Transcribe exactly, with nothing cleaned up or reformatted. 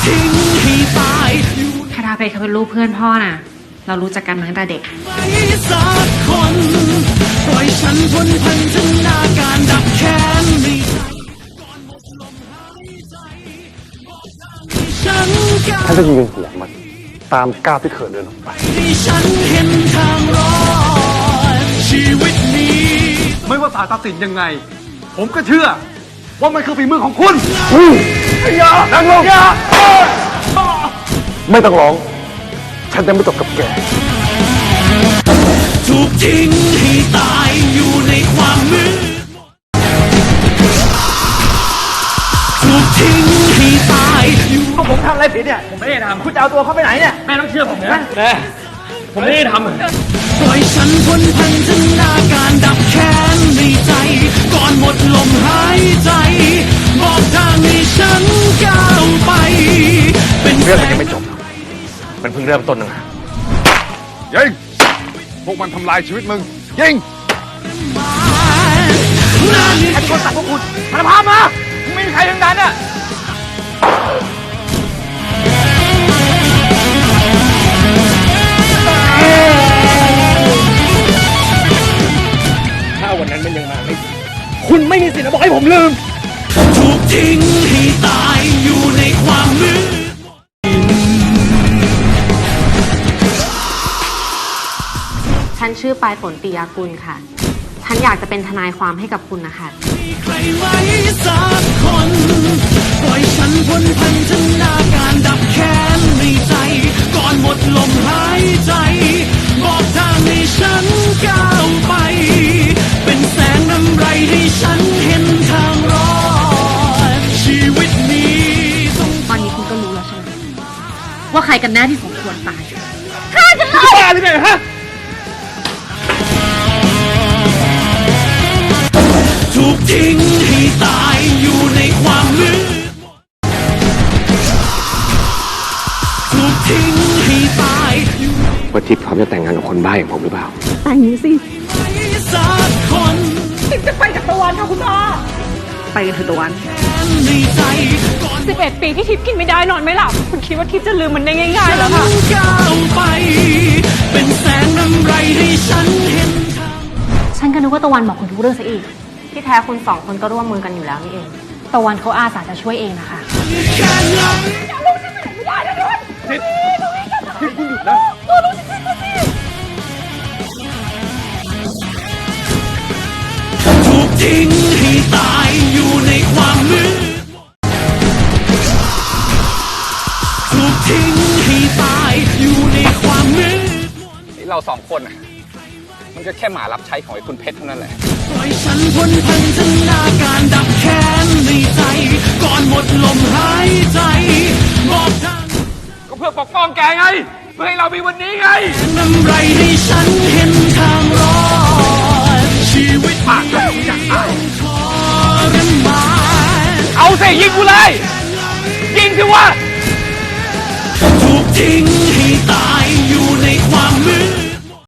ทิ้งให้ตายคาราเพชรเขาเป็นลูกเพื่อนพ่อน่ะเรารู้จักกันมาตั้งแต่เด็กสักคนปล่อยฉันพ้นพันธนาการดับแค้นในใจก่อนหมดลมหายใจฉันก้าวท่านจะยืนหัวมันตามก้าวที่เขินเดินออกไปที่ฉันเห็นทางรอดชีวิตนี้ไม่ว่าศาลตัดสินยังไงผมก็เชื่อว่ามันคือฝีมือของคุณอย่านั่งลงอย่าไม่ต้องร้องฉันจะไม่จบกับแกถูกทิ้งให้ตายอยู่ในความมืดถูกทิ้งให้ตายอยู่ก็ผมทำอะไรผิดเนี่ยผมไม่ได้ทำคุณจะเอาตัวเขาไปไหนเนี่ยแม่ต้องเชื่อผมนะแม่ผมไม่ได้ทำปล่อยฉันพ้นพันธนาการดับแค้นในใจก่อนหมดลมหายใจบอกทางให้ฉันก้าวไปเป็นเรื่องมันยังไม่จบมันเพิ่งเริ่มต้นนึงยิงพวกมันทำลายชีวิตมึงยิงใครเป็นคนสั่งพวกคุณสารภาพมาไม่มีใครทั้งนั้นอ่ะถ้าวันนั้นมันยังมาไม่คุณไม่มีสิทธิ์มาบอกให้ผมลืมถูกทิ้งให้ตายอยู่ในความมืดฉันชื่อปลายฝนปิยากุลค่ะฉันอยากจะเป็นทนายความให้กับคุณนะคะมีใครไว้สักคนปล่อยฉันพ้นพันธนาการดับแค้นในใจก่อนหมดลมหายใจบอกทางให้ฉันก้าวไปเป็นแสงนำไรให้ฉันเห็นทางรอดชีวิตนี้ตอนนี้คุณก็รู้แล้วใช่ไหมว่าใครกันแน่ที่สมควรตายฆ่าฉันเลยบ้าหรือไงฮะถูกทิ้งให้ตายอยู่ในความมืดถูกทิ้งให้ตายว่าทิพย์พร้อมจะแต่งงานกับคนบ้าอย่างผมหรือเปล่าแต่งสิสักคนทิพย์จะไปกับตะวันค่ะคุณพ่อไปกันเถอะตะวันสิบเอ็ดปีที่ทิพย์กินไม่ได้นอนไม่หลับคุณคิดว่าทิพย์จะลืมมันได้ง่ายๆแล้วค่ะก้าวไปเป็นแสงนำไรให้ฉันเห็นฉันก็นึกว่าตะวันบอกคุณทุกเรื่องซะอีกที่แท้คุณสองคนก็ร่วมมือกันอยู่แล้วนี่เองตะวันเขาอาสาจะช่วยเองนะคะทิพย์ทิพย์คุณหยุดนะถูกทิ้งให้ตายอยู่ในความมืดถูกทิ้งให้ตายอยู่ในความมืดเราสองคนมันก็แค่หมารับใช้ของไอ้คุณเพชรเท่านั้นแหละปล่อยฉันพ้นพันธนาการดับแค้นในใจก่อนหมดลมหายใจบอกทางก็เพื่อปกป้องแกไงเพื่อให้เรามีวันนี้ไงนำไรให้ฉันเห็นทางรอดชีวิตปากก็อยากเอาทรมานเอาสิยิงกูเลยยิงสิวะถูกทิ้งให้ตาย